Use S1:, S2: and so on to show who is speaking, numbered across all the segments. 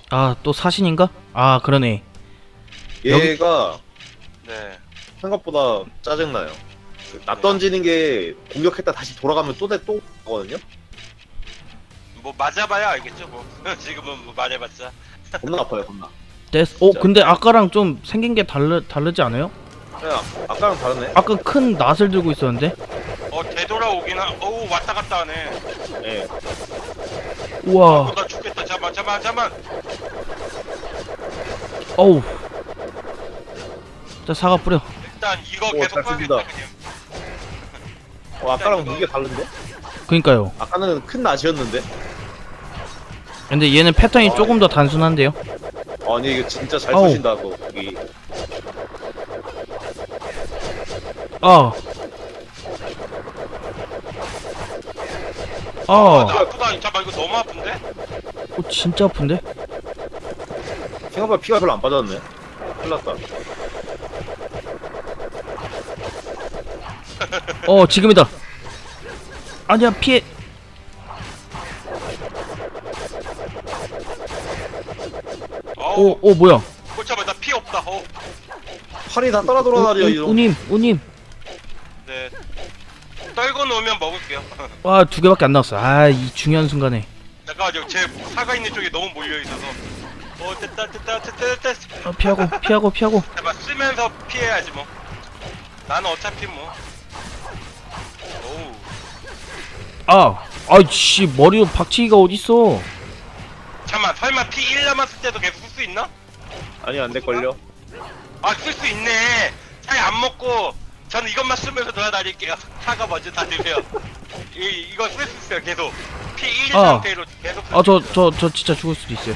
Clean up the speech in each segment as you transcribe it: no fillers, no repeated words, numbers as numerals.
S1: 아, 또 사신인가? 아, 그러네.
S2: 얘가
S3: 네.
S2: 생각보다 짜증나요. 나 던지는 게 공격했다 다시 돌아가면 또 가거든요?
S3: 뭐 맞아봐야 알겠죠 뭐. 지금은 뭐 말해봤자.
S2: 겁나 아파요, 겁나.
S1: 됐어. 근데 아까랑 좀 생긴 게 다르지 않아요?
S2: 그냥 아까랑 다르네?
S1: 아까 큰 낫을 들고 있었는데?
S3: 되돌아오긴 어우 왔다 갔다 하네.
S2: 예.
S1: 우와.
S3: 나 죽겠다. 잠만.
S1: 어우. 자, 사과 뿌려.
S3: 일단 이거
S2: 오,
S3: 계속
S2: 잘
S3: 써야겠다
S2: 씁니다.
S3: 그냥.
S2: 아까랑 무게 다른데?
S1: 그니까요.
S2: 아까는 큰 낫이었는데?
S1: 근데 얘는 패턴이 조금 더 단순한데요?
S2: 아니, 이거 진짜 잘
S1: 어우.
S2: 쏘신다, 그거. 거기.
S1: 아.
S3: 나
S1: 아.
S3: 아프다. 잠깐 이거 너무 아픈데?
S1: 진짜 아픈데?
S2: 생각보다 피가 별로 안 빠졌네. 큰일 났다.
S1: 지금이다. 아니야, 피해. 뭐야.
S3: 잠깐 나 피 없다.
S2: 팔이 다 따라 돌아다녀, 이런.
S1: 우님.
S3: 네. 떨고 놓으면 먹을게요.
S1: 와, 2개밖에 안 나왔어. 아, 이 중요한 순간에.
S3: 잠깐만요. 제 사가 있는 쪽에 너무 몰려 있어서. 됐다.
S1: 피하고.
S3: 잠깐 쓰면서 피해야지 뭐. 나는 어차피 뭐. 오우.
S1: 아이씨, 머리로 박치기가 어딨어.
S3: 잠만 설마 피 1 남았을 때도 계속 쓸 수 있나?
S2: 아니, 안 될걸요?
S3: 쓸 수 있네. 차에 안 먹고 저는 이것만 쓰면서 돌아다닐게요. 차가 먼저 다 드세요. 이거 쓸 수 있어요. 계속 피 1 상태로 계속.
S1: 저 진짜 죽을 수도 있어요.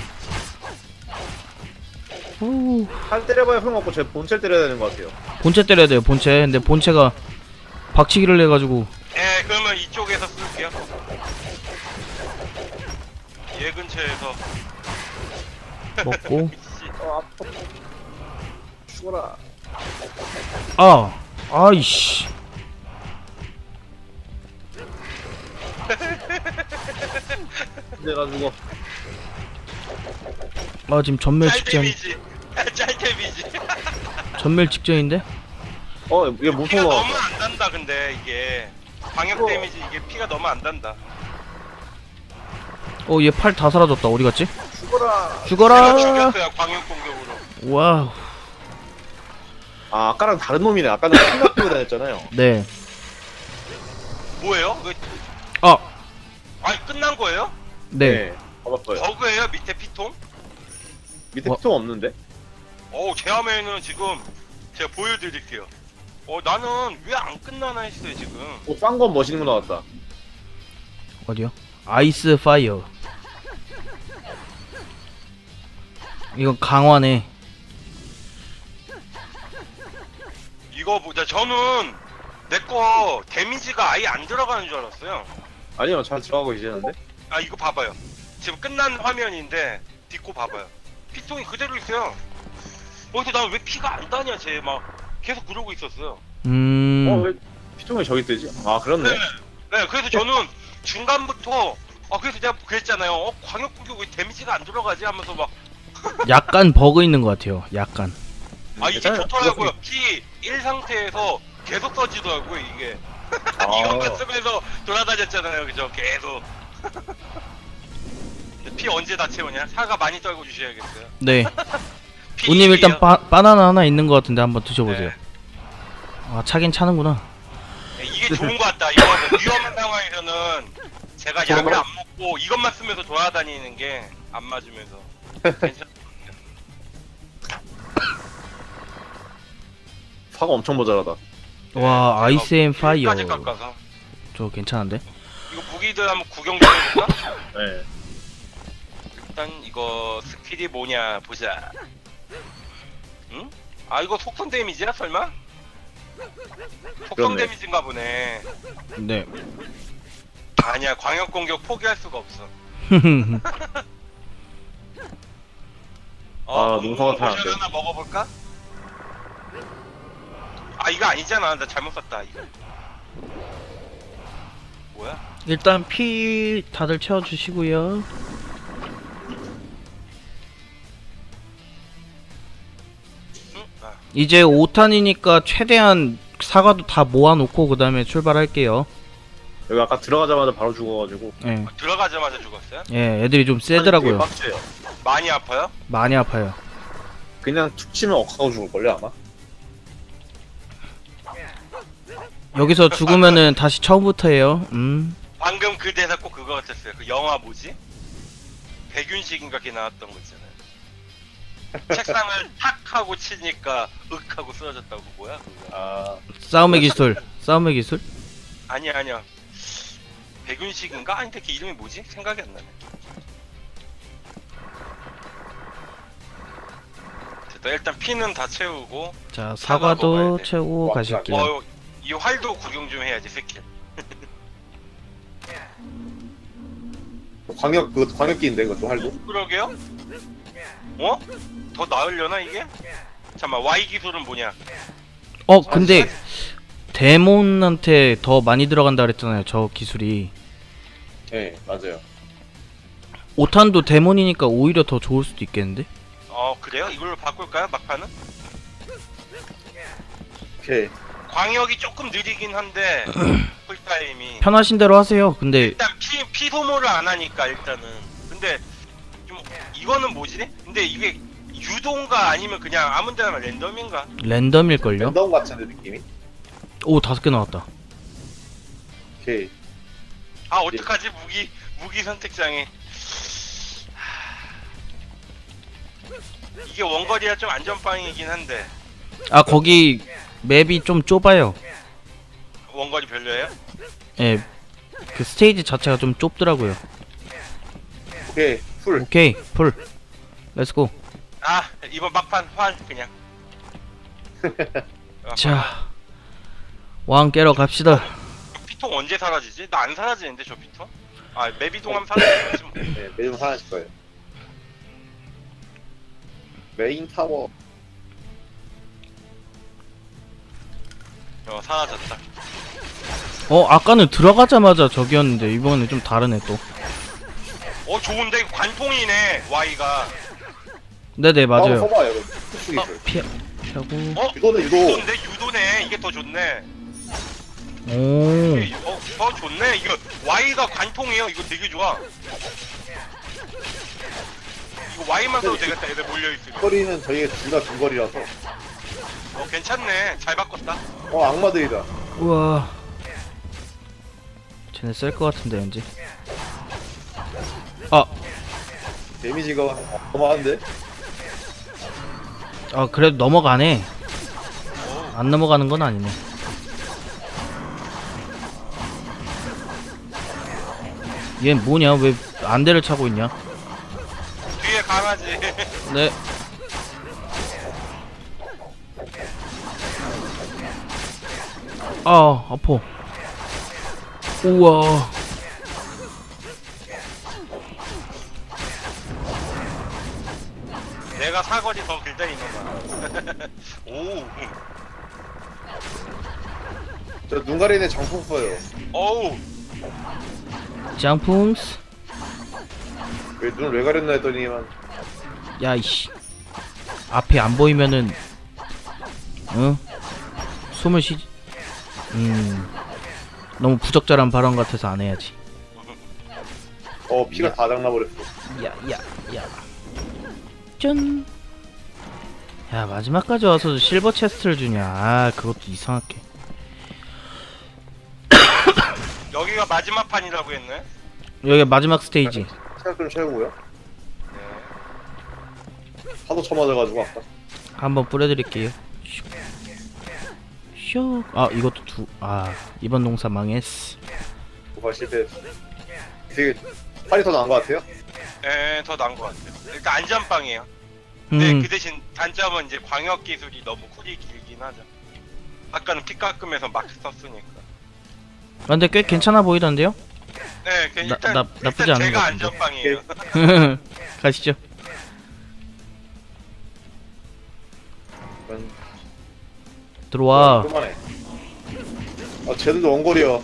S2: 팔 때려봐야 소용없고, 제 본체를 때려야 되는 것 같아요.
S1: 본체 때려야 돼요, 본체. 근데 본체가 박치기를 해가지고.
S3: 네, 그러면 이쪽에서 쓸게요. 얘 근처에서.
S1: 먹고.
S2: 아파. 죽어라.
S1: 아이씨.
S2: 내가 죽어.
S1: 지금 전멸 직전.
S3: 짤데미지.
S1: 전멸 직전인데?
S2: 이게
S3: 피가
S2: 무서워.
S3: 너무 안 단다. 근데 이게 방역 데미지 이게 피가 너무 안 단다.
S1: 얘 팔 다 사라졌다. 어디 갔지?
S2: 죽어라.
S1: 죽어라.
S3: 제가 죽였어요. 광역 공격으로.
S1: 와우.
S2: 아까랑 다른 놈이네. 아까는 큰 끼고 다녔잖아요.
S1: 네.
S3: 뭐예요? 끝난 거예요?
S1: 네.
S2: 봐봤어요.
S3: 버그예요? 밑에 피통?
S2: 밑에 피통 없는데?
S3: 제 화면에는 지금 제가 보여드릴게요. 나는 왜 안 끝나나 했어요 지금.
S2: 싼 건 멋있는 거 나왔다.
S1: 어디요? 아이스 파이어. 이건 강화네.
S3: 이거 보자. 저는 내 거 데미지가 아예 안 들어가는 줄 알았어요.
S2: 아니요, 잘 들어가고 계시는데?
S3: 이거 봐봐요. 지금 끝난 화면인데 딛고 봐봐요. 피통이 그대로 있어요. 근데 난 왜 피가 안 다냐 쟤 막 계속 그러고 있었어요.
S2: 왜 피통이 저기 뜨지? 그렇네.
S3: 네, 그래서 저는 중간부터 그래서 내가 그랬잖아요. 광역 공격 왜 데미지가 안 들어가지 하면서 막
S1: 약간 버그 있는 것 같아요. 약간.
S3: 이게
S2: 괜찮아요.
S3: 좋더라고요. 피 1 상태에서 계속 써지더라고요 이게. 이것만 쓰면서 돌아다녔잖아요, 그죠? 계속. 피 언제 다 채우냐? 사과 많이 떨고 주셔야겠어요.
S1: 네.
S3: 피
S1: 우님 일단
S3: 1이요.
S1: 바나나 하나 있는 것 같은데 한번 드셔보세요.
S3: 네.
S1: 차긴 차는구나.
S3: 이게 좋은 것 같다. 이거 뭐 위험한 상황에서는 제가 약을 안 먹고 이것만 쓰면서 돌아다니는 게 안 맞으면서 괜찮.
S2: 사과 엄청 모자라다.
S1: 와, 아이스 앤 파이어.
S3: 까지 깎아서.
S1: 저 괜찮은데?
S3: 이거 무기들 한번 구경 좀 해볼까?
S2: 네.
S3: 일단 이거 스킬이 뭐냐 보자. 응? 이거 속성 데미지야 설마? 속성
S2: 그렇네.
S3: 데미지인가 보네.
S1: 네.
S3: 아니야, 광역 공격 포기할 수가 없어.
S2: 농사가 잘안
S3: 포션
S2: 돼.
S3: 하나 먹어볼까? 이거 아니잖아. 나 잘못 샀다 이거. 뭐야?
S1: 일단 피 다들 채워주시고요. 이제 5탄이니까 최대한 사과도 다 모아놓고 그 다음에 출발할게요.
S2: 여기 아까 들어가자마자 바로 죽어가지고.
S1: 예.
S3: 들어가자마자 죽었어요?
S1: 예, 애들이 좀
S2: 되게
S1: 세더라고요.
S2: 빡세요.
S3: 많이 아파요?
S1: 많이 아파요.
S2: 그냥 툭 치면 억하고 죽을걸요 아마?
S1: 여기서 죽으면은 다시 처음부터 해요.
S3: 방금 그 대사 꼭 그거 같았어요. 그 영화 뭐지? 백윤식인가 걔 나왔던 거 있잖아요. 책상을 탁 하고 치니까 윽 하고 쓰러졌다고. 뭐야 그거?
S2: 아
S1: 싸움의 기술. 싸움의 기술?
S3: 아니야. 백윤식인가? 아니 근데 걔 이름이 뭐지? 생각이 안 나네. 됐다. 일단 피는 다 채우고.
S1: 자,
S3: 사과 먹어야
S1: 사과도
S3: 돼.
S1: 채우고
S2: 와,
S1: 가실게요.
S3: 이 활도 구경 좀 해야지 스킬.
S2: 광역기인데 그것도 활도?
S3: 그러게요? 어? 더 나으려나 이게? 잠깐만 Y 기술은 뭐냐?
S1: 근데 데몬한테 더 많이 들어간다 그랬잖아요. 저 기술이.
S2: 네 맞아요.
S1: 5탄도 데몬이니까 오히려 더 좋을 수도 있겠는데?
S3: 그래요? 이걸로 바꿀까요? 막판은?
S2: 오케이.
S3: 광역이 조금 느리긴 한데 쿨타임이
S1: 편하신 대로 하세요. 근데
S3: 일단 피 소모를 안 하니까 일단은. 근데 좀 이거는 뭐지? 근데 이게 유도인가 아니면 그냥 아무데나 랜덤인가?
S1: 랜덤일걸요?
S2: 랜덤 같은데 느낌이?
S1: 오, 5개 나왔다.
S2: 오케이.
S3: 아 어떡하지? 무기 선택장애. 이게 원거리라 좀 안전빵이긴 한데
S1: 아, 거기 맵이 좀 좁아요.
S3: 원거리 별로예요?
S1: 예. 그 스테이지 자체가 좀 좁더라고요.
S2: 오케이 풀.
S1: 오케이, 풀. 렛츠고.
S3: 아 이번 막판 활 그냥.
S1: 자, 왕 깨러 갑시다.
S3: 피통 언제 사라지지? 나 안 사라지는데 저 피통? 아 맵 이동하면 사라지지 뭐.
S2: 네 매점 사라질 거예요. 메인 타워.
S3: 사라졌다.
S1: 아까는 들어가자마자 저기였는데 이번에 좀 다르네 또.
S3: 좋은데 관통이네 Y가.
S1: 네네, 맞아요.
S2: 써봐요. 특수 기술.
S1: 피하고.
S2: 이거는 이거.
S3: 유도인데 유도네. 이게 더 좋네.
S1: 오.
S3: 이게, 더 좋네. 이거 Y가 관통이에요. 이거 되게 좋아. 이거 Y만 써도 되겠다. 애들 몰려있으면.
S2: 거리는 저희가 둘 다 중거리라서.
S3: 괜찮네. 잘 바꿨다.
S2: 악마들이다.
S1: 우와. 쟤네 셀 것 같은데 왠지.
S2: 데미지가 어마한데?
S1: 그래도 넘어가네. 안 넘어가는 건 아니네. 얘 뭐냐? 왜 안대를 차고 있냐?
S3: 뒤에 강아지.
S1: 네. 아파. 우와.
S3: 내가 사거리 더 길다 이놈아. 오.
S2: 저 눈가리네 장풍 써요.
S3: 어우.
S1: 장품스.
S2: 왜 눈을 왜 가렸나 했더니만
S1: 야, 이씨. 앞이 안 보이면은, 숨을 쉬지. 너무 부적절한 발언 같아서 안 해야지.
S2: 피가 다 장나버렸어.
S1: 야. 짠. 야, 마지막까지 와서 실버 체스트를 주냐. 그것도 이상하게.
S3: 여기가 마지막 판이라고 했네.
S1: 여기 마지막 스테이지.
S2: 체력 좀 채우고요. 하도 쳐맞아가지고 아까.
S1: 한번 뿌려드릴게요. 슉. 이것도 이번 농사 망했어.
S2: 도발 실패. 되게 팔이 더 나은 것 같아요.
S3: 더 나은 것 같아요. 일단 안전빵이에요. 근데
S1: 음.
S3: 그 대신 단점은 이제 광역 기술이 너무 쿨이 길긴 하죠. 아까는 피 깎으면서 막 썼으니까.
S1: 근데 꽤 괜찮아 보이던데요?
S3: 네, 일단,
S1: 나쁘지
S3: 일단
S1: 않은
S3: 제가
S1: 것 같은데.
S3: 안전빵이에요.
S1: 가시죠. 들어와.
S2: 그만해. 쟤들도 원거리야.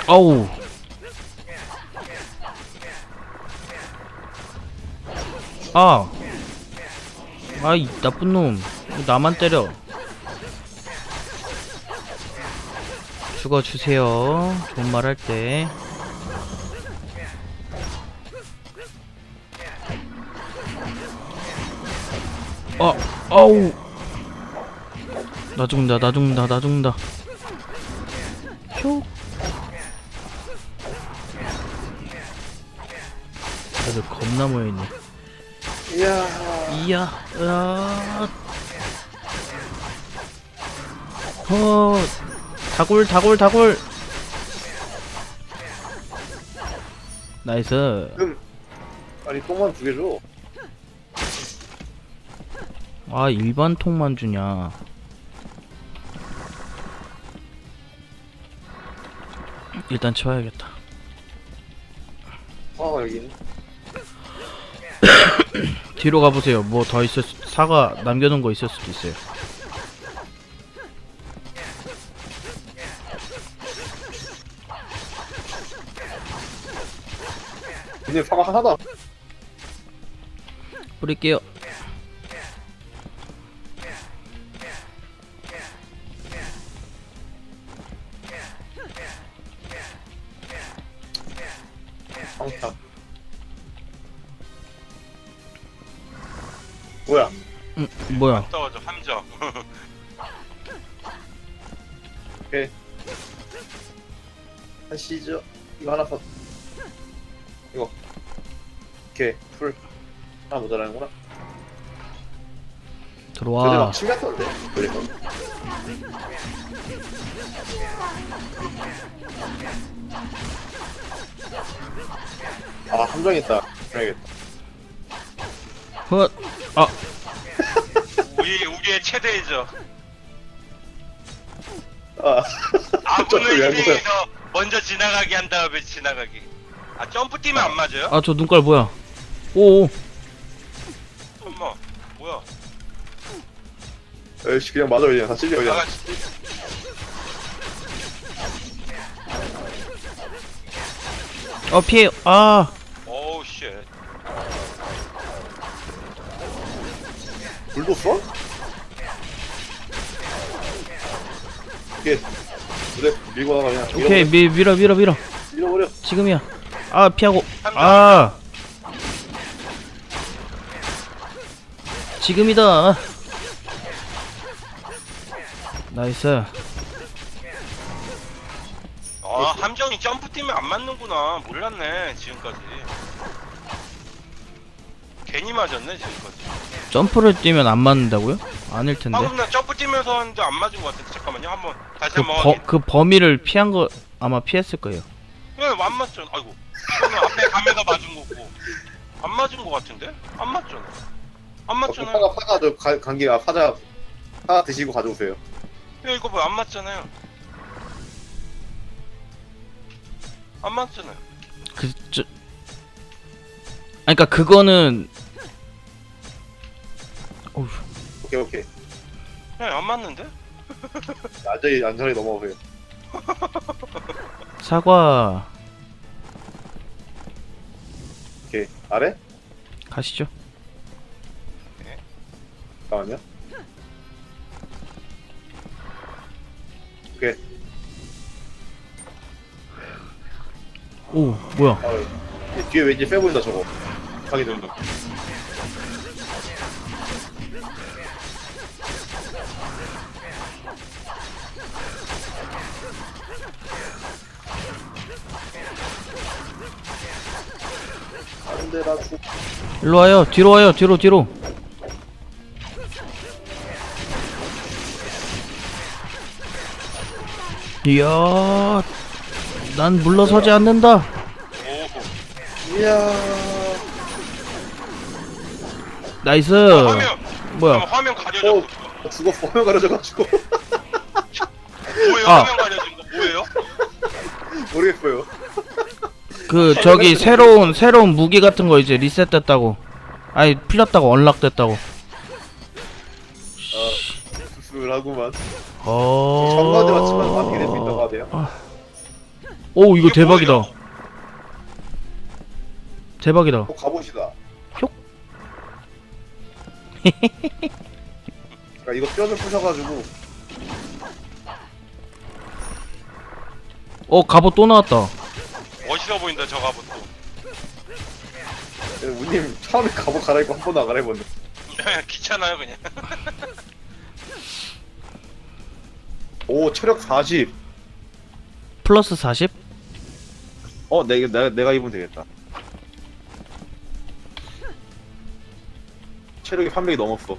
S1: 아우. 아. 아이 나쁜 놈. 왜 나만 때려. 죽어주세요. 좋은 말 할 때. 아우. 나 죽는다, 나 죽는다, 나 죽는다. 슉. 다들 겁나 모여있네.
S2: 이야.
S1: 이야, 다굴, 다굴, 다굴. 나이스.
S2: 아니 똥만 2개 줘.
S1: 아, 일반 통만 주냐. 일단 치워야겠다.
S2: 여기 있네.
S1: 뒤로 가보세요. 뭐 더 있을 사과 남겨놓은 거 있을 수도 있어요.
S2: 근데 사과 하나도
S1: 뿌릴게요.
S2: 상타. 뭐야?
S1: 뭐야?
S3: 떨어져 함정.
S2: 오케이. 하시죠. 이거 하나 더. 이거. 오케이. 풀. 하나 모자라는구나. 저기
S1: 들어와.
S2: 막 침같던데. 그러니까. 함정 있다. 그래야겠다.
S1: 헛. 아,
S3: 우리의 최대이죠.
S2: 점프 왜
S3: 아군을
S2: 한 거야?
S3: 희생해서 먼저 지나가게 한 다음에 지나가기. 아 점프 뛰면 안 맞아요?
S1: 아, 저 눈깔 뭐야? 오.
S3: 엄마 뭐야?
S2: 에이씨 그냥 맞아 그냥 다 찔려 그냥.
S3: 나같이
S1: 피해. 아.
S3: 오우 쉣.
S2: 불도 써? 오케이. 그래 밀고 나가 그냥.
S1: 오케이, 밀어.
S2: 밀어버려.
S1: 지금이야. 아, 피하고. 아. 지금이다. 나이스.
S3: 함정이 점프 뛰면 안 맞는구나. 몰랐네 지금까지. 괜히 맞았네 지금까지.
S1: 점프를 뛰면 안 맞는다고요? 아닐 텐데.
S3: 방금 나 점프 뛰면서 하는데 안 맞은 것 같은데 잠깐만요. 한번 다시 한번 확인.
S1: 그 범위를 피한 거 아마 피했을 거예요.
S3: 왜안 맞잖아. 아이고. 이거는 앞에 가면서 맞은 거고. 안 맞은 것 같은데? 안 맞잖아. 안 맞잖아요.
S2: 파가 저 관계가 파자 드시고 가져오세요.
S3: 야 이거 뭐 안 맞잖아요. 안 맞잖아요.
S1: 그러니까 그거는 어휴.
S2: 오케이.
S3: 네, 안 맞는데?
S2: 안전히 넘어오세요.
S1: 사과
S2: 오케이. 아래?
S1: 가시죠.
S2: 잠깐만요. 오케이.
S1: 오, 뭐야?
S2: 뒤에 왠지 세 보인다 저거. 가게 된다. 안돼 나 죽.
S1: 일로 와요. 뒤로 와요. 뒤로. 이야, 난 물러서지 않는다.
S3: 오호.
S2: 이야.
S1: 나이스.
S3: 화면.
S1: 뭐야?
S3: 화면 가려져.
S2: 죽었어. 화면 가려져가지고.
S3: 뭐예요?
S1: 아.
S3: 화면 가려진 거 뭐예요?
S2: 모르겠어요.
S1: 그 저기 새로운 무기 같은 거 이제 리셋됐다고. 아니 풀렸다고 언락됐다고.
S2: 수술하구만. 정가대 맞추면 맞게 될 수 있다고 하네요.
S1: 오 이거
S3: 이게
S1: 대박이다.
S3: 뭐예요?
S1: 대박이다.
S2: 가보시다.
S1: 뿅.
S2: 그러니까 이거 뼈를 부셔가지고
S1: 갑옷 또 나왔다.
S3: 멋있어 보인다 저 갑옷도.
S2: 우님 처음에 갑옷 갈아입고 한 번도 안 갈아입었네.
S3: 귀찮아요 그냥.
S2: 오 체력 40.
S1: 플러스 40?
S2: 내가 입으면 되겠다. 체력이 300이 넘었어.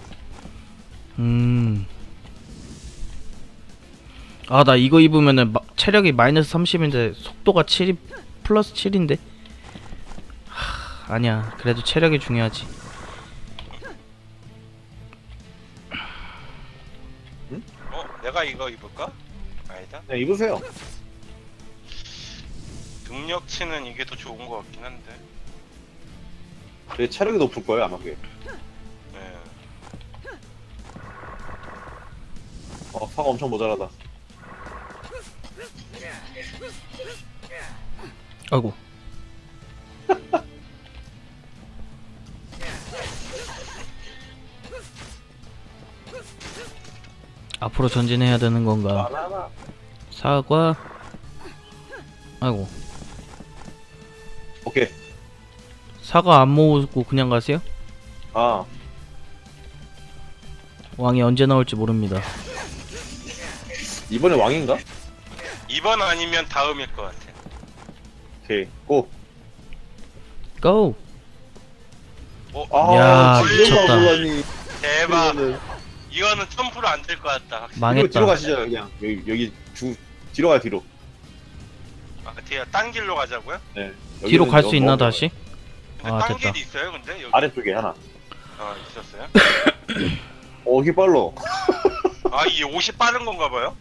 S1: 아, 나 이거 입으면은 체력이 마이너스 30인데 속도가 7이 플러스 7인데. 아니야. 그래도 체력이 중요하지.
S3: 내가 이거 입을까? 아니다.
S2: 그냥 입으세요.
S3: 능력치는 이게 더 좋은 것 같긴 한데.
S2: 내 체력이 높을 거예요 아마 그게.
S3: 네.
S2: 사가 엄청 모자라다.
S1: 아이고. 앞으로 전진해야 되는 건가? 사과. 아이고.
S2: 오케이.
S1: 사과 안 모으고 그냥 가세요?
S2: 아
S1: 왕이 언제 나올지 모릅니다.
S2: 이번에 왕인가?
S3: 2번 아니면 다음일 것 같아.
S2: 오케이 고.
S1: 고!
S2: 아,
S1: 야,
S2: 진짜
S1: 미쳤다.
S2: 몰랐니.
S3: 대박.
S2: 이거는
S3: 이거는 점프로 안 될 것 같다. 확실히.
S1: 망했다.
S2: 뒤로 가시죠 그냥. 여기 뒤로 가요 뒤로.
S3: 아, 뒤에 딴 길로 가자고요?
S2: 네.
S1: 뒤로
S2: 여기는
S1: 갈 수
S2: 너무
S1: 있나
S2: 멀어요.
S1: 다시?
S3: 근데
S1: 아,
S3: 딴
S1: 됐다.
S3: 길이 있어요, 근데 여기.
S2: 아래쪽에 하나.
S3: 있었어요?
S2: 이게 빨라.
S3: 아, 이 옷이 빠른 건가 봐요?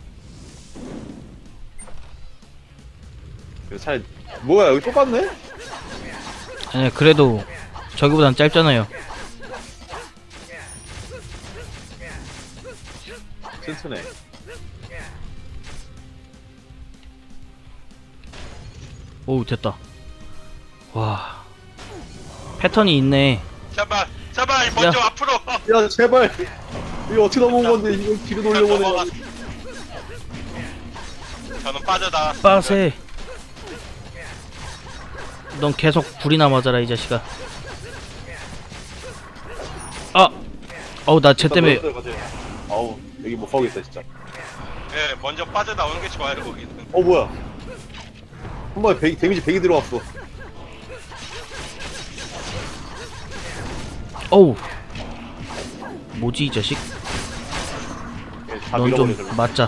S2: 차라리 뭐야 여기 똑같네?
S1: 아니 그래도 저기보단 짧잖아요.
S2: 튼튼해.
S1: 오 됐다. 와 패턴이 있네.
S3: 제발, 먼저 앞으로.
S2: 야 제발. 이거 어떻게 넘어온 건데 이걸 뒤로 돌려보내.
S3: 넘어가. 저는 빠져다.
S1: 빠세. 넌 계속 불이나 맞아라 이 자식아. 나 쟤 때문에.
S2: 아우 여기 못 가겠다 진짜.
S3: 네, 먼저 빠져나오는 게 좋아요, 거기는.
S2: 뭐야? 한 번에 데미지 100이 들어왔어.
S1: 어우 뭐지 이 자식.
S2: 다
S1: 넌 좀
S2: 밀어버려.
S1: 맞자.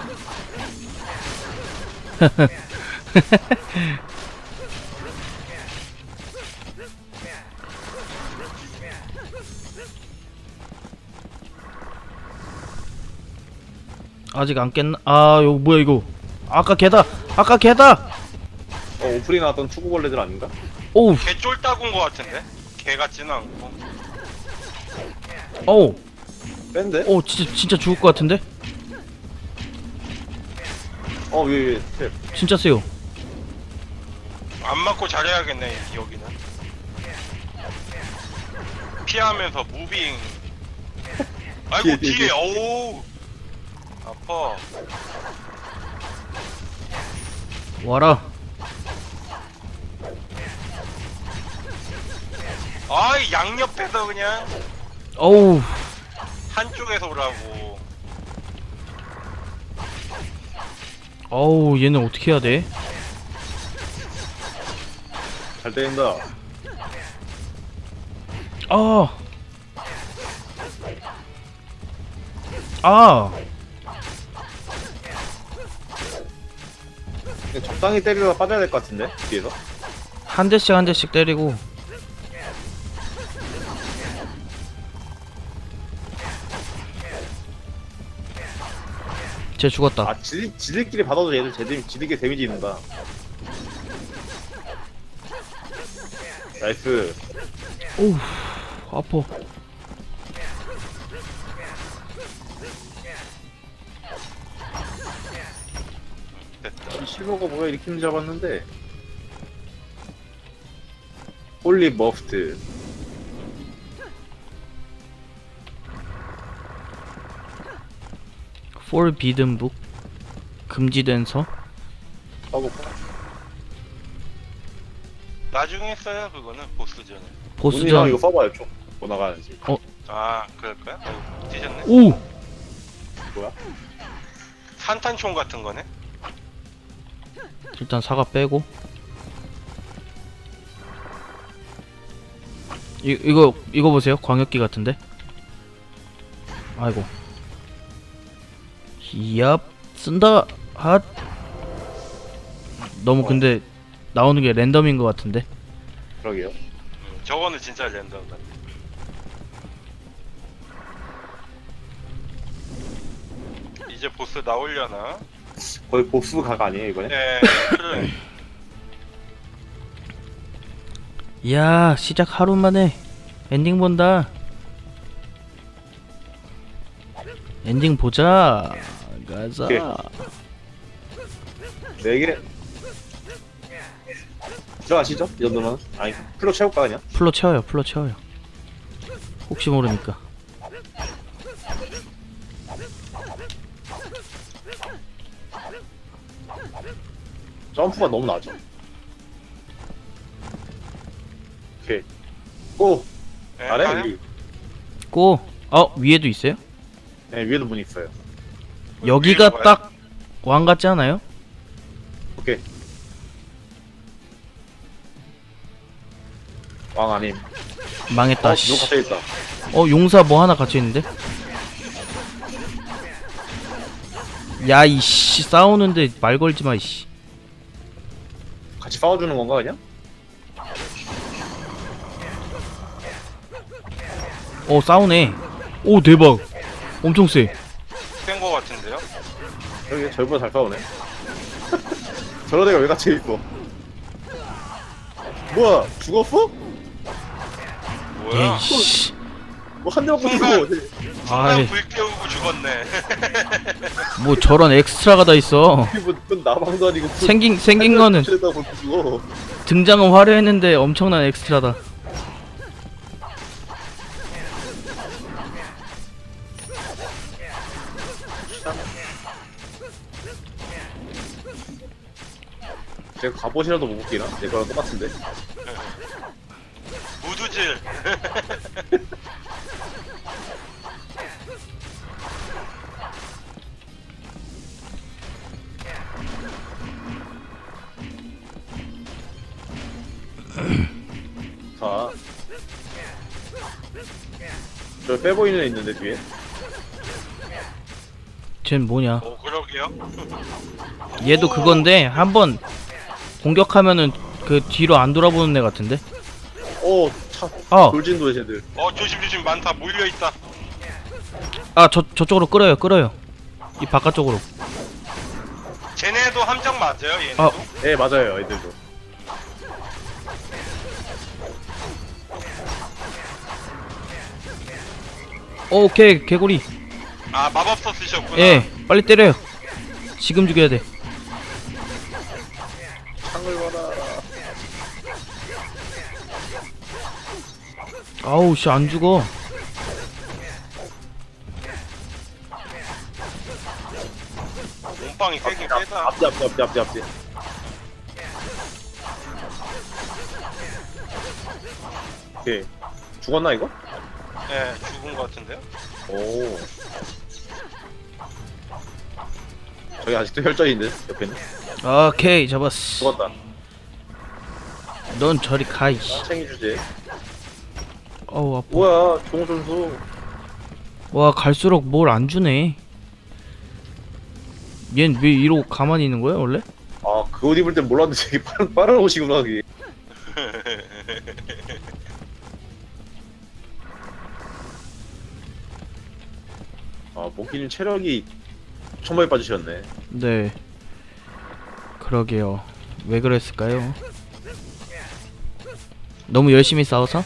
S1: 아직 안 깼나? 이거 뭐야 이거? 아까 개다.
S2: 오프닝 나왔던 투구벌레들 아닌가?
S1: 오우
S3: 개 쫄따군 것 같은데? 개 같지는 않고.
S1: 어우
S2: 뺀데?
S1: 진짜 죽을 것 같은데?
S2: 위에 탭.
S1: 진짜 세요.
S3: 안 맞고 잘해야겠네, 여기는. 피하면서 무빙. 아이고, 뒤에, 어우. 아파.
S1: 와라.
S3: 아이, 양옆에서 그냥
S1: 어우
S3: 한쪽에서 오라고.
S1: 얘는 어떻게 해야 돼?
S2: 잘 때린다. 그냥 적당히 때리다가 빠져야 될 것 같은데 뒤에서.
S1: 한 대씩 때리고. 쟤 죽었다.
S2: 지들끼리 받아도 얘들 지들끼리 데미지 있는다. 나이스.
S1: 오우 아파.
S3: 됐다.
S2: 실버가 뭐야 이렇게 힘 잡았는데. 홀리 머프트.
S1: Forbidden Book 금지된 서.
S2: 써볼까?
S3: 나중에 써요 그거는 보스전에.
S2: 문희 형 이거
S1: 보스전.
S2: 써봐요 좀. 뭐 나가는지.
S3: 아 그럴까요? 뒤졌네.
S1: 오.
S2: 뭐야?
S3: 산탄총 같은 거네.
S1: 일단 사과 빼고. 이거 보세요. 광역기 같은데. 아이고. 얍 쓴다. 핫. 너무 근데 나오는 게 랜덤인 것 같은데.
S2: 그러게요.
S3: 저거는 진짜 랜덤 같아. 이제 보스 나오려나?
S2: 거의 보스 각 아니에요 이번에?
S3: 네. 그래.
S1: 야 시작 하루 만에 엔딩 본다. 엔딩 보자. 가자.
S2: 오케이. 4개. 들어가시죠? 이 정도면. 아니 풀로 채울까 그냥?
S1: 풀로 채워요. 풀로 채워요. 혹시 모르니까.
S2: 점프가 너무 낮아. 오케이. 고!
S3: 네,
S2: 아래?
S3: 가요?
S2: 여기.
S1: 고. 위에도 있어요?
S2: 네, 위에도 문 있어요.
S1: 여기가
S3: 위로 가요?
S1: 딱 왕 같지 않아요?
S2: 오케이. 왕 아님.
S1: 망했다.
S2: 누구
S1: 씨.
S2: 갇혀있다.
S1: 용사 뭐 하나 갇혀 있는데? 야 이씨 싸우는데 말 걸지 마 이씨.
S2: 같이 싸워주는 건가 그냥?
S1: 싸우네. 오 대박. 엄청 세.
S3: 센거 같은데요?
S2: 여기 저희보다 잘 싸우네. 저런 애가 왜 갇혀있어? 뭐야? 죽었어?
S3: 뭐야?
S1: 에이씨.
S2: 뭐 한 대만
S3: 순간.
S2: 꽂고
S1: 아이
S3: 불 태우고 죽었네.
S1: 뭐 저런 엑스트라가 다 있어.
S2: 뭐 나방도 아니고
S1: 생긴 거는
S2: 다 볼고 죽어.
S1: 등장은 화려했는데 엄청난 엑스트라다.
S2: 제가 갑옷이라도 못 벗기나? 내 거랑 똑같은데.
S3: 무두질.
S2: 자. 저 빼보이는 애 있는데 뒤에.
S1: 쟨 뭐냐?
S3: 오 그러게요.
S1: 얘도 그건데 한번 공격하면은 그 뒤로 안 돌아보는 애 같은데?
S2: 오, 차.
S1: 어.
S2: 돌진도에 쟤들.
S3: 조심 많다 몰려 있다.
S1: 저쪽으로 끌어요. 이 바깥쪽으로.
S3: 쟤네도 함정 맞아요 얘네도?
S2: 네, 맞아요, 애들도.
S1: 오케이 개구리.
S3: 아 마법서 쓰셨구나.
S1: 예 빨리 때려요. 지금 죽여야 돼.
S2: 창을 봐라.
S1: 아우 씨 안 죽어.
S3: 몸빵이 세긴 세다.
S2: 앞뒤. 오케이. 죽었나, 이거?
S3: 예 죽은 거 같은데요?
S2: 오. 저기 아직도 혈전인데, 옆에는.
S1: 오케이 잡았어.
S2: 죽었다.
S1: 넌 저리 가 이씨.
S2: 챙이 주제.
S1: 어우 아파.
S2: 뭐야, 종선수.
S1: 와 갈수록 뭘 안 주네. 얜 왜 이러고 가만히 있는 거야 원래?
S2: 아, 그 옷 입을 땐 몰랐는데 되게 빠른 옷이구나, 그게. 아, 몽키님 체력이 천만에 빠지셨네.
S1: 네. 그러게요. 왜 그랬을까요? 너무 열심히 싸워서?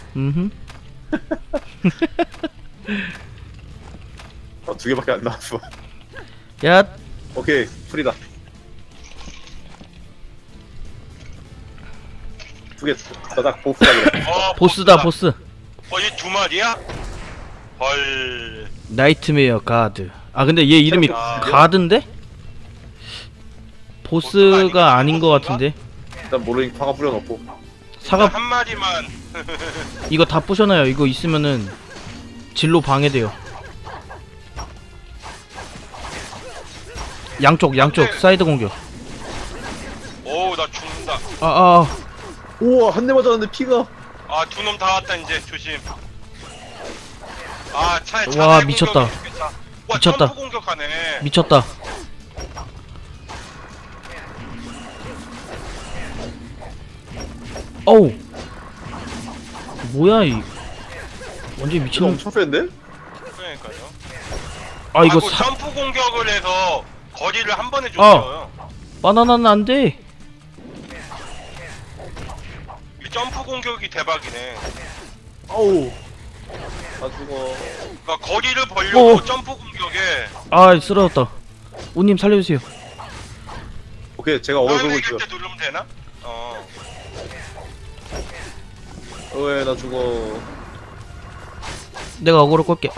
S2: 아, 2개밖에 안 나왔어.
S1: 야,
S2: 오케이, 풀이다. 두개 딱 보스다 그래.
S1: 보스다 보스.
S3: 얘 두 마리야? 헐.
S1: 나이트메어 가드. 아 근데 얘 이름이
S3: 아.
S1: 가드인데? 보스가 아닌 것 같은데.
S2: 일단 모르니까 화가 뿌려놓고.
S1: 사과
S3: 한 마리만.
S1: 이거 다 부셔놔요. 이거 있으면은 진로 방해돼요. 양쪽 사이드 공격.
S3: 오, 나 죽는다.
S2: 우와 한 대 맞았는데 피가.
S3: 아, 두 놈 다 왔다 이제 조심. 아, 차에
S1: 와, 미쳤다.
S3: 와,
S1: 미쳤다.
S3: 점프 공격하네.
S1: 미쳤다. 어우 뭐야 이 완전
S2: 이거
S1: 미친놈.
S2: 엄청 센데?
S3: 그러니까요.
S1: 아 이거
S3: 점프 공격을 해서 거리를 한 번에 줬어요.
S1: 바나나는 안돼.
S3: 이 점프 공격이 대박이네.
S2: 아우. 나 죽어.
S3: 그러니까 거리를 벌려고
S1: 어.
S3: 점프 공격에.
S1: 아 쓰러졌다. 우님 살려주세요.
S2: 오케이 제가 어글
S3: 다음에
S2: 걸고
S3: 이길
S2: 있어.
S3: 때 누르면 되나?
S2: 왜 나 죽어.
S1: 내가 어그로 끌게.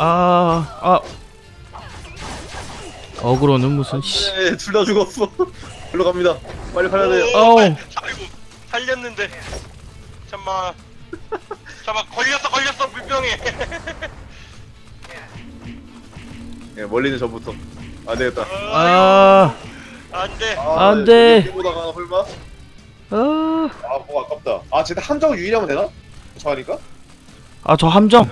S1: 어그로는 무슨 씨.
S2: 네, 둘 다 죽었어. 일로 갑니다. 빨리 가야 돼요.
S1: 어우.
S3: 아이고, 살렸는데. 잠만. 걸렸어 물병에.
S2: 예, 멀리는 전부터. 안 되겠다.
S3: 안돼.
S1: 안 돼.
S2: 보다가 설마? 뭐 아깝다. 쟤네 함정 유인하면 되나? 저 하니까?
S1: 저 함정.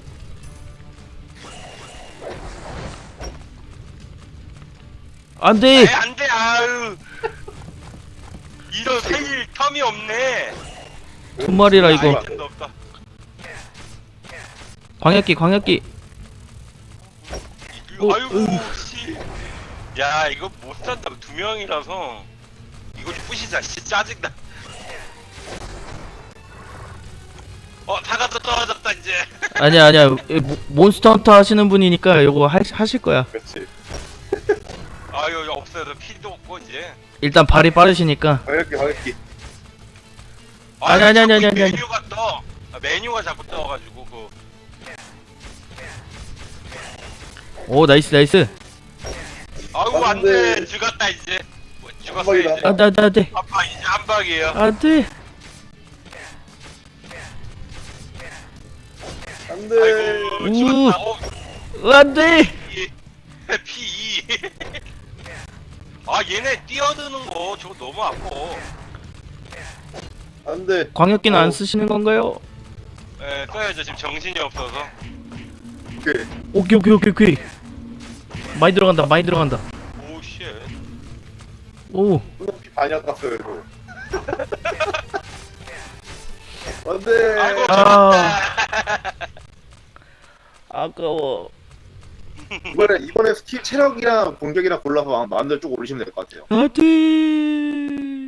S1: 안돼.
S3: 안돼. 아유. 이런 살릴 텀이 없네.
S1: 두 마리라 이거.
S3: 아이템도 없다.
S1: 광역기.
S3: 아이고 씨. 야 이거 못 산다. 두 명이라서 이거 좀 부시자. 씨 짜증나. 사과도 떨어졌다 이제.
S1: 아니야. 몬스터 헌터 하시는 분이니까 이거 하실 거야.
S2: 그렇지.
S3: 아유 없어서 피도 없고 이제.
S1: 일단 발이 빠르시니까.
S2: 가볍게.
S1: 아니.
S3: 메뉴가 떠. 메뉴가 자꾸 떠가지고
S1: 오 나이스.
S3: 아이고
S2: 안 돼.
S3: 안돼. 죽었다 이제. 죽었어
S2: 한방이다.
S3: 이제.
S1: 안돼.
S3: 아빠 이제 한 방이에요.
S1: 안돼.
S2: 안 돼.
S3: 아이고 죽었다.
S1: 안돼.
S3: P2. 얘네 뛰어드는 거 저거 너무 아파.
S2: 안 돼.
S1: 광역기는 안 쓰시는 건가요?
S3: 네, 써야죠. 지금 정신이 없어서.
S2: 오케이.
S1: 오케이. 많이 들어간다.
S3: 오 쉣.
S1: 오.
S2: 피 많이 아깝어요, 이거. 안 돼.
S3: 아이고
S1: 아까워.
S2: 이번에 스킬 체력이랑 공격이랑 골라서 마음대로 쭉 올리시면 될 것 같아요.
S1: 안돼.